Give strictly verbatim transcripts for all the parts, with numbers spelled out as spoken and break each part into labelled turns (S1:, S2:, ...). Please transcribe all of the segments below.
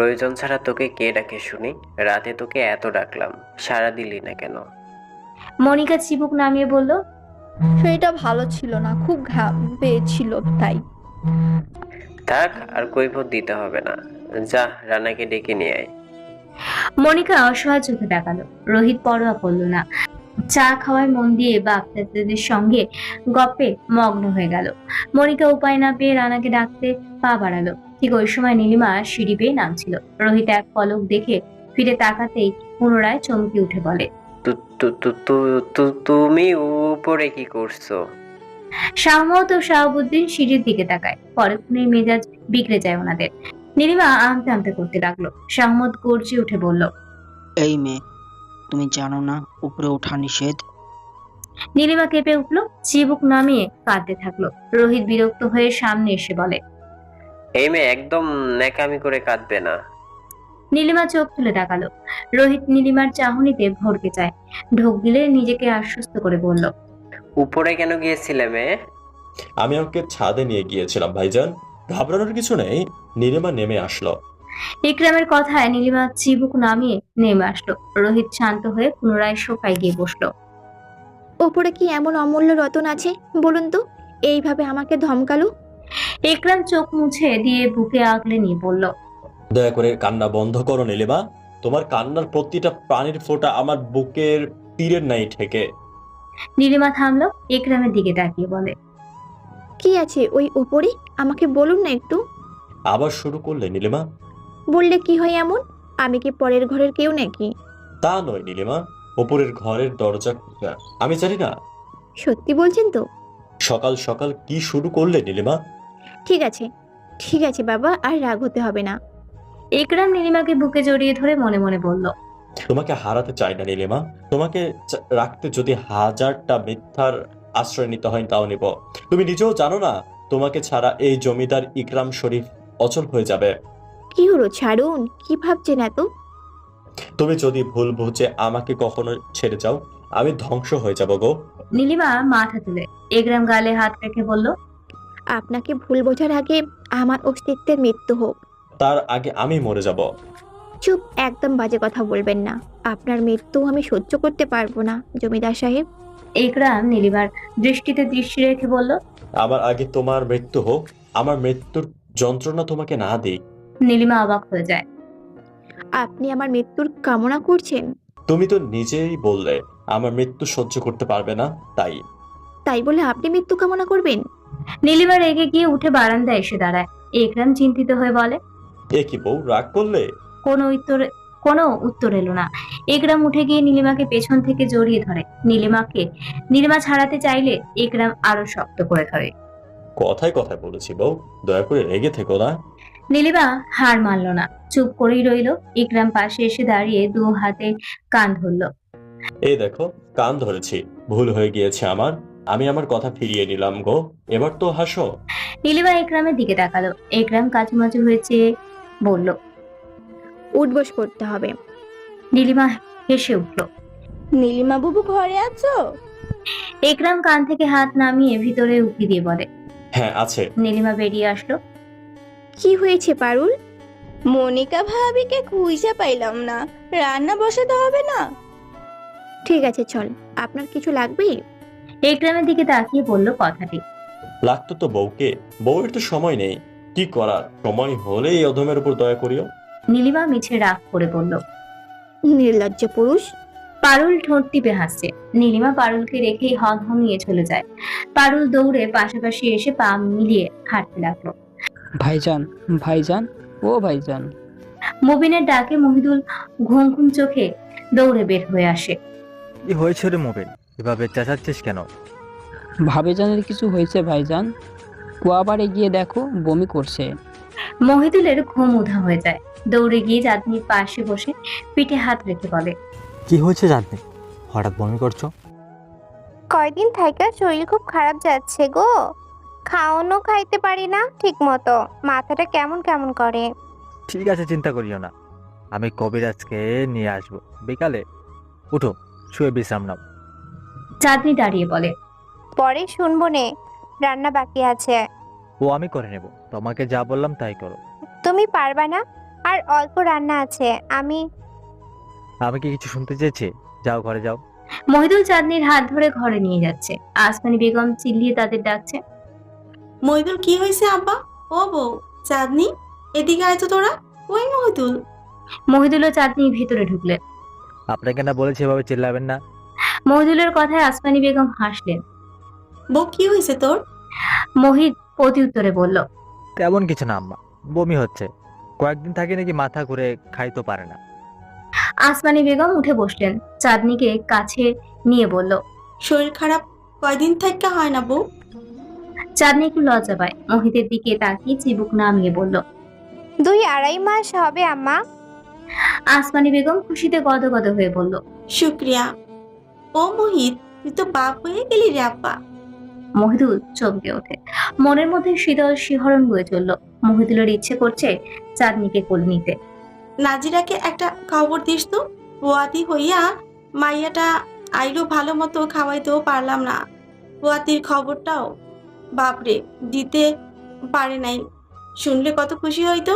S1: প্রয়োজন ছাড়া তোকে কে ডাকে শুনি? রাতে তোকে এত ডাকলাম, সাড়া দিলি না কেন?
S2: মনিকা চিবুক নামিয়ে বলল,
S3: শরীরটা ভালো ছিল না, খুব ঘাম পেয়েছিল তাই।
S1: থাক, আর কৈফিয়ত দিতে হবে না। যা, রানাকে ডেকে নিয়ে আয়।
S2: মনিকা অসহায় চোখে তাকালো। রোহিত পরোয়া করলো না, চা খাওয়ায় মন দিয়ে বাচ্চাদের সঙ্গে গপ্পে মগ্ন হয়ে গেল। মনিকা উপায় না পেয়ে রানাকে ডাকতে পা বাড়ালো। ঠিক ওই সময় নীলিমা সিঁড়ি বেয়ে নামছিল। রোহিত এক পলক দেখে ফিরে তাকাতেই পুনরায় চমকে উঠে বলে,
S1: তু- তু- তু- তু- তু- তুমি উপরে কি করছো?
S2: শাহমত ও শাহাবুদ্দিন সিঁড়ির দিকে তাকায়। পরক্ষণেই মেজাজ বিগড়ে যায় ওনাদের। নীলিমা আমতে আমতে করতে লাগলো। শাহমত গর্জে উঠে বলল,
S4: এই মেয়ে, তুমি জানো না উপরে ওঠা নিষেধ?
S2: নীলিমা কেঁপে উঠলো, চিবুক নামিয়ে কাঁদতে থাকলো। রোহিত বিরক্ত হয়ে সামনে এসে বলে,
S1: এই মেয়ে একদম ন্যাকামি করে কাঁদবে না।
S2: নীলিমা চোখ তুলে তাকালো। রোহিত নীলিমার চাহনিতে ভরকে যায়। ঢোক গিলে নিজেকে আশ্বস্ত করে বলল,
S1: উপরে কেন গিয়েছিলে মেয়ে?
S5: আমি ওকে ছাদে নিয়ে গিয়েছিলাম ভাইজান, ঘাবড়ানোর কিছু নেই। নীলিমা নেমে আসলো।
S2: ইকরামের কথায় নীলিমা চিবুক নামিয়ে নেমে আসলো। রোহিত শান্ত হয়ে পুনরায় সোফায় গিয়ে বসলো।
S3: ওপরে কি এমন অমূল্য রতন আছে বলুন তো, এইভাবে আমাকে ধমকালো?
S2: ইকরাম চোখ মুছে দিয়ে বুকে আগলে নিয়ে বলল,
S5: দয়া করে কান্না বন্ধ করো নীলিমা। তোমার কান্নার প্রতিটা প্রাণীর ফোঁটা আমার বুকের তীরের নাই ঠেকে।
S2: নীলিমা থামলো, ইকরামের দিকে তাকিয়ে বলে,
S3: কি আছে ওই ওপরে, আমাকে বলুন না একটু।
S5: আবার শুরু করলে নীলিমা?
S3: বললে কি হয় এমন? আমি কি পরের ঘরের কেউ নাকি?
S5: তা নয় নীলিমা, ওপরের ঘরের দরজা খোলা। আমি জানি না।
S3: সত্যি বলছেন তো?
S5: সকাল সকাল কি শুরু করলে নীলিমা?
S3: ঠিক আছে, ঠিক আছে বাবা, আর রাগ হতে হবে না।
S2: ইকরাম নীলিমাকে বুকে জড়িয়ে ধরে মনে মনে বলল,
S5: তোমাকে হারাতে চাই না নীলিমা। তোমাকে চা- রাখতে যদি হাজারটা মিথ্যার আশ্রয় নিতে হয় তাও নিব। তুমি নিজেও জানো না, তোমাকে ছাড়া এই জমিদার ইকরাম শরীফ অচল হয়ে যাবে।
S3: কি হলো, ছাড়ুন। কি ভাবছেন এত?
S5: তুমি যদি ভুল বুঝে আমাকে কখনো ছেড়ে যাও, আমি ধ্বংস হয়ে যাব গো।
S2: নীলিমা মাথা তুলে ইকরাম গালে হাত রেখে বলল,
S3: আপনাকে ভুল বোঝার আগে আমার অস্তিত্বের মৃত্যু হোক।
S5: তার আগে আমি মরে যাব।
S3: চুপ, একদম বাজে কথা বলবেন না। আপনার মৃত্যু আমি সহ্য করতে পারবো না জমিদার সাহেব।
S2: ইকরাম নীলিমার দৃষ্টিতে দৃষ্টি রেখে বলল,
S5: আমার আগে তোমার মৃত্যু হোক, আমার মৃত্যুর যন্ত্রণা তোমাকে না দিই।
S2: নীলিমা অবাক হয়ে যায়।
S3: আপনি আমার মৃত্যুর কামনা করছেন?
S5: তুমি তো নিজেই বললে আমার মৃত্যু সহ্য করতে পারবে না, তাই।
S3: তাই বলে আপনি মৃত্যু কামনা করবেন?
S2: নীলিমা রেগে গিয়ে উঠে বারান্দায় এসে দাঁড়ায়। ইকরাম চিন্তিত হয়ে বলে,
S5: এ কি বউ, রাগ করলে?
S2: কোনো উত্তর কোনো উত্তর এলো না। ইকরাম উঠে গিয়ে নীলিমাকে পেছন থেকে জড়িয়ে ধরে। নীলিমাকে নীলিমা ছাড়াতে চাইলে ইকরাম আরো শক্ত করে ধরে।
S5: কথায় কথায় বলেছি বউ, দয়া করে রেগে থেকো না।
S2: নীলিমা হার মানল না, চুপ করেই রইল। ইকরাম পাশে এসে দাঁড়িয়ে দু হাতে কান ধরলো।
S5: এই দেখো, কান ধরেছি, ভুল হয়ে গিয়েছে আমার। আমি আমার কথা ফিরিয়ে নিলাম গো, এবার তো হাসো।
S2: নীলিমা ইকরামের দিকে তাকালো। ইকরাম কাচুমাচু হয়েছে বলল,
S3: উঠবস করতে হবে।
S2: নীলিমা হেসে উঠল।
S6: নীলিমা বাবু ঘরে আছো?
S2: ইকরাম কান থেকে হাত নামিয়ে ভিতরে উকি দিয়ে বলে।
S5: হ্যাঁ আছে।
S2: নীলিমা বেরিয়ে আসলো।
S3: কি হয়েছে পারুল?
S6: মনিকা ভাবিকে খুঁজে পাইলাম না, রান্না বসাতে হবে না?
S3: ঠিক আছে চল, আপনার কিছু লাগবে?
S2: ইকরামের দিকে তাকিয়ে বলল কথাটি।
S5: লাগতো তো বউকে, বউয়ের তো সময় নেই। কি করার, সময় হলে এই অধমের উপর দয়া করিও।
S2: নীলিমা মিছে রাগ করে বলল।
S3: নির্লজ্জ পুরুষ।
S2: পারুল ঠোঁট টিপে হাসছে। নীলিমা পারুলকে রেখেই হনহনিয়ে চলে যায়। পারুল দৌড়ে পাশাপাশি এসে পা মিলিয়ে হাঁটতে লাগলো।
S7: ভাইজান, ভাইজান, ও ভাইজান।
S2: মুবিনের ডাকে মহিদুল ঘুম ঘুম চোখে দৌড়ে বের হয়ে আসে।
S8: কি হয়েছে রে মোবিন, এভাবে চেঁচাচ্ছিস কেন?
S7: ভাবিজানের কিছু হয়েছে ভাইজান, কুয়াবাড়ে গিয়ে দেখো বমি করছে।
S2: মহিদুলের ঘুম উধা হয়ে যায়। দৌড়ে গিয়ে চাঁদনির পাশে বসে পিঠে হাত রেখে বলে,
S8: কি হয়েছে জানতে হঠাৎ বমি করছো?
S9: কয়দিন থাইকা শরীর খুব খারাপ যাচ্ছে গো। খাওয়ানো খাইতে পারি না ঠিক মতো, মাথাটা কেমন কেমন করে।
S8: ঠিক আছে, চিন্তা করিও না, আমি কবিরাজকে নিয়ে আসবো বিকালে। উঠো, শুয়ে বিশ্রাম নাও।
S2: চাঁদনি দাঁড়িয়ে বলে,
S9: পরে শুনবো নে, রান্না বাকি আছে।
S8: ও আমি করে নেব, তোমাকে যা বললাম তাই করো।
S9: তুমি পারবা না? আর অল্প রান্না আছে। আমি
S8: আমি কি কিছু শুনতে চেয়েছি? যাও ঘরে যাও।
S2: মহিদুল চাঁদনির হাত ধরে ঘরে নিয়ে যাচ্ছে। আসমানি বেগম চিল্লিয়ে তাদের ডাকছে।
S10: মহিদুল কি হয়েছে আব্বা? ও বউ, চাঁদনি, এদিকে আয় তো তোরা। ওই মহিদুল।
S2: মহিদুল ও চাঁদনি ভেতরে ঢুকলেন।
S8: আপনাকে না বলেছি এভাবে চিল্লাবেন না।
S2: মহিদুলের কথায় আসমানি বেগম হাসলেন।
S10: বউ, কি হয়েছে তোর?
S2: মহিদ প্রতি উত্তরে বলল,
S8: তেমন কিছু না আম্মা, বমি হচ্ছে। কয়েকদিন থাকে নাকি মাথা ঘুরে খাইতে পারে না।
S2: আসমানি বেগম উঠে বসলেন। চাঁদনিকে কাছে নিয়ে বলল,
S10: শরীর খারাপ কয়দিন থেকে হয় না বউ?
S2: চাঁদনি একটু লজ্জা পায়। মহিদের দিকে তাকিয়ে চিবুক নামিয়ে বলল,
S9: দুই আড়াই মাস হবে আম্মা।
S2: আসমানি বেগম খুশিতে গদগদ হয়ে বলল,
S10: শুক্রিয়া। ও মহিত, তুই তো বাপ হয়ে গেলি রে আব্বা।
S2: মহিদুল চমকে ওঠে। মনের মধ্যে শীতল শিহরণ বয়ে চলল। মহিদুলের ইচ্ছে করছে চাঁদনিকে কোলে নিতে।
S10: নাজিরাকে একটা খবর দিস তো। পোয়াতি হইয়া মাইয়াটা আইলো, ভালো মতো খাওয়াইতেও পারলাম না। পোয়াতির খবরটাও বাপরে দিতে পারে নাই, শুনলে কত খুশি হইতো।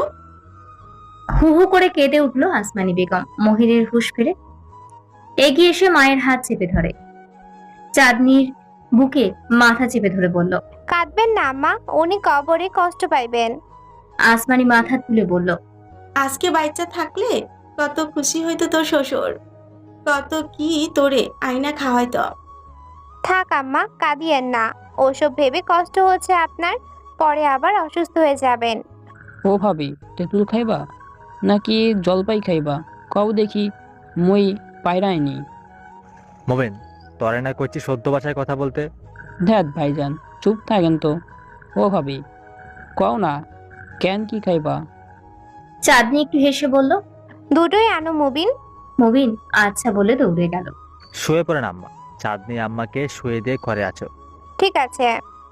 S2: হু হু করে কেঁদে উঠল আসমানি বেগম। মহিনের হুঁশ ফিরে এগিয়ে এসে মায়ের হাত চেপে ধরে চাঁদনির বুকে মাথা চেপে ধরে বলল,
S9: কাঁদবেন না আম্মা, উনি কবরে কষ্ট পাইবেন।
S2: আসমানি মাথা তুলে বলল,
S10: আজকে বাচ্চা থাকলে কত খুশি হইতো তোর শ্বশুর, কত কি তোরে আয়না খাওয়াইতো।
S9: থাক আম্মা, কাঁদিয়েন না। ওসব ভেবে কষ্ট হচ্ছে আপনার, পরে আবার অসুস্থ হয়ে যাবেন।
S7: ও ভাবি, তেঁতুল খাইবা নাকি জলপাই খাইবা? কও দেখি, মই পায়রাইনি।
S8: মোবেন, তরে না করছি সদ্য ভাষায় কথা বলতে।
S7: ধ্যাত ভাইজান, চুপ থাকেন তো। ও ভাবি, কও না, কেন কি খাইবা?
S2: চাঁদনি একটু হেসে বলল,
S9: দুটোই আনো মুবিন।
S2: মুবিন আচ্ছা বলে দৌড়ে গেল।
S8: শুয়ে পড়েন আম্মা। চাঁদনি আম্মাকে শুয়ে দিয়ে ঘরে আছো।
S9: ঠিক আছে।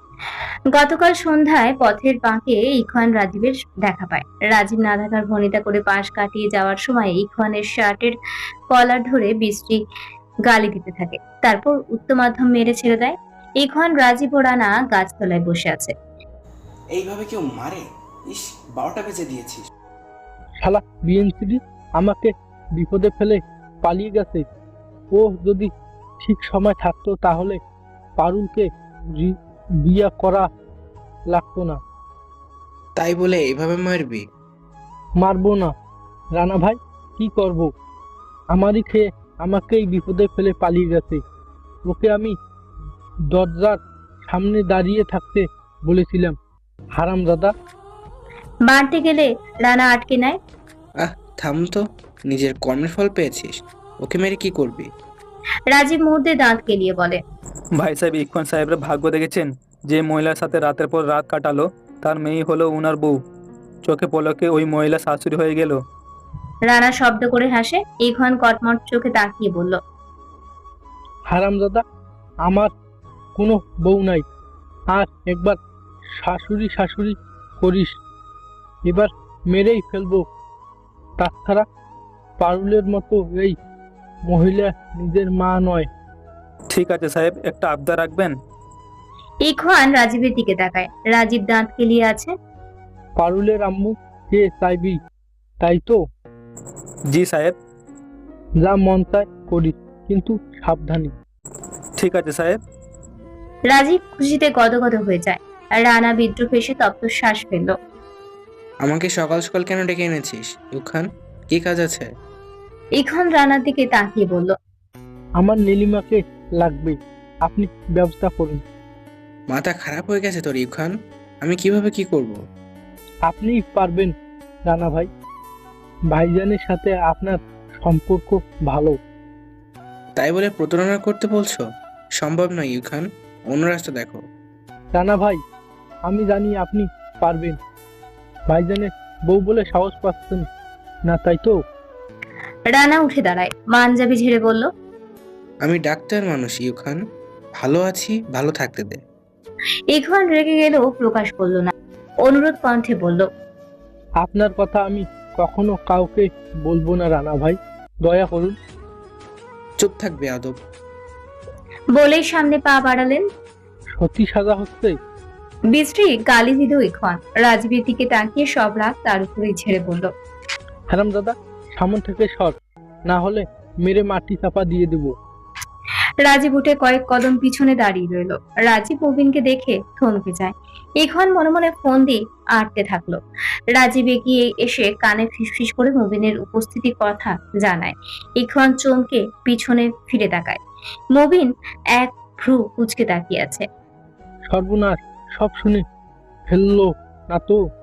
S2: গতকাল সন্ধ্যায় পথের বাঁকে ইখওয়ান রাজীবের দেখা পায়। রাজীব না থাকার ভনিতা করে পাশ কাটিয়ে যাওয়ার সময় ইখওয়ানের শার্টের কলার ধরে বৃষ্টি গালি দিতে থাকে। তারপর উচ্চ মাধ্যম মেরে ছেড়ে দেয়। ইখওয়ান, রাজীব ও রানা গাছতলায় বসে আছে।
S11: এইভাবে কেউ মারে? ইস, বারোটা বেজে দিয়েছিস।
S12: শালা বিএনসিডি আমাকে বিপদে ফেলে পালিয়ে গেছে। ও যদি ঠিক সময় থাকতো তাহলে পারুলকে রি- বিয়া করা লাগতো না।
S11: তাই বলে এইভাবে মারবি?
S12: মারবো না রানা ভাই, কি করব? আমারই খেয়ে আমাকেই বিপদে ফেলে পালিয়ে গেছে। ওকে আমি দরজার সামনে দাঁড়িয়ে থাকতে বলেছিলাম। হারামজাদা।
S2: বাড়তে গেলে রানা আটকে নেয়।
S11: আহ, থাম তো, নিজের কর্মের ফল পেয়েছিস, ওকে মেরে কি করবি?
S2: রাজীব মুহূর্তে দাঁত কেলিয়ে বলে,
S13: ভাই সাহেব, ইরফান সাহেবের ভাগ্য দেখেছেন? যে মহিলার সাথে রাতের পর রাত কাটালো তার মেয়ে হলো উনার বউ। চোখে পলকে ওই মহিলা শাশুড়ি হয়ে গেল।
S2: রানা শব্দ করে হাসে। ইখওয়ান কটমট চোখে তাকিয়ে বলল,
S12: হারামজাদা, আমার কোনো বউ নাই। আর একবার শাশুড়ি শাশুড়ি করিস, এবার মেরেই ফেলবো। তাছাড়া পারুলের মতো এই মহিলা নিজের মা নয়।
S13: ঠিক আছে সাহেব, একটা আবদার রাখবেন?
S2: ইখওয়ান রাজীবের দিকে তাকায়। রাজীব দাঁত কেলিয়ে আছে।
S12: পারুলের আম্মু কে চাইবি, তাই তো?
S13: জি সাহেব।
S12: যা মন চায় করিস, কিন্তু সাবধানে।
S13: ঠিক আছে সাহেব।
S2: রাজীব খুশিতে গদগদ হয়ে যায়। রানা বিদ্রুপ এসে তপ্ত শ্বাস ফেলল।
S11: আমাকে সকাল সকাল কেন ডেকে এনেছিস ইউখান? কি কাজ আছে?
S2: ইখওয়ান রানার দিকে তাকিয়ে বলল,
S12: আমার নীলিমাকে লাগবে, আপনি ব্যবস্থা করুন।
S11: মাথা খারাপ হয়ে গেছে তোর ইউখান? আমি কিভাবে কি করব?
S12: আপনিই পারবেন রানা ভাই। ভাইজানের সাথে আপনার সম্পর্ক ভালো।
S11: তাই বলে প্রতারণা করতে বলছো? সম্ভব নয় ইউখান, অন্য রাস্তা দেখো।
S12: রানা ভাই, আমি জানি আপনি পারবেন। ভাইজানের বউ বলে সাহস পাচ্ছেন না, তাই তো?
S2: রানা উঠে দাঁড়ায়। মানজাবি ঝেড়ে বলল,
S11: আমি ডাক্তার মানুষ ইউখান, ভালো আছি, ভালো থাকতে দে।
S2: ইখওয়ান রেগে গেলেও প্রকাশ করলো না। অনুরোধ কণ্ঠে বলল,
S12: আপনার কথা আমি কখনো কাউকে বলবো না রানা ভাই, দয়া করুন।
S11: চুপ থাকবে আদব।
S2: বলেই সামনে পা বাড়ালেন।
S12: সত্যি সাজা হচ্ছে।
S2: বিশ্রী গালি দিল ইখওয়ান। রাজীবের দিকে তাকিয়ে সব রাগ তার উপরেই ছেড়ে বলল,
S12: হারামজাদা, সামন থেকে সর, না হলে মেরে মাটি চাপা দিয়ে দেবো।
S2: রাজীব উঠে কয়েক কদম পিছনে দাঁড়িয়ে রইল। রাজীব মুবিনকে দেখে থমকে যায়। ইখওয়ান মনে মনে ফোন দিয়ে আটতে থাকলো। রাজীব এগিয়ে এসে কানে ফিসফিস করে মুবিনের উপস্থিতির কথা জানায়। ইখওয়ান চমকে পিছনে ফিরে তাকায়। মুবিন এক ভ্রু কুঁচকে তাকিয়ে আছে।
S12: সর্বনাশ, সব শুনে ফেললো না তো?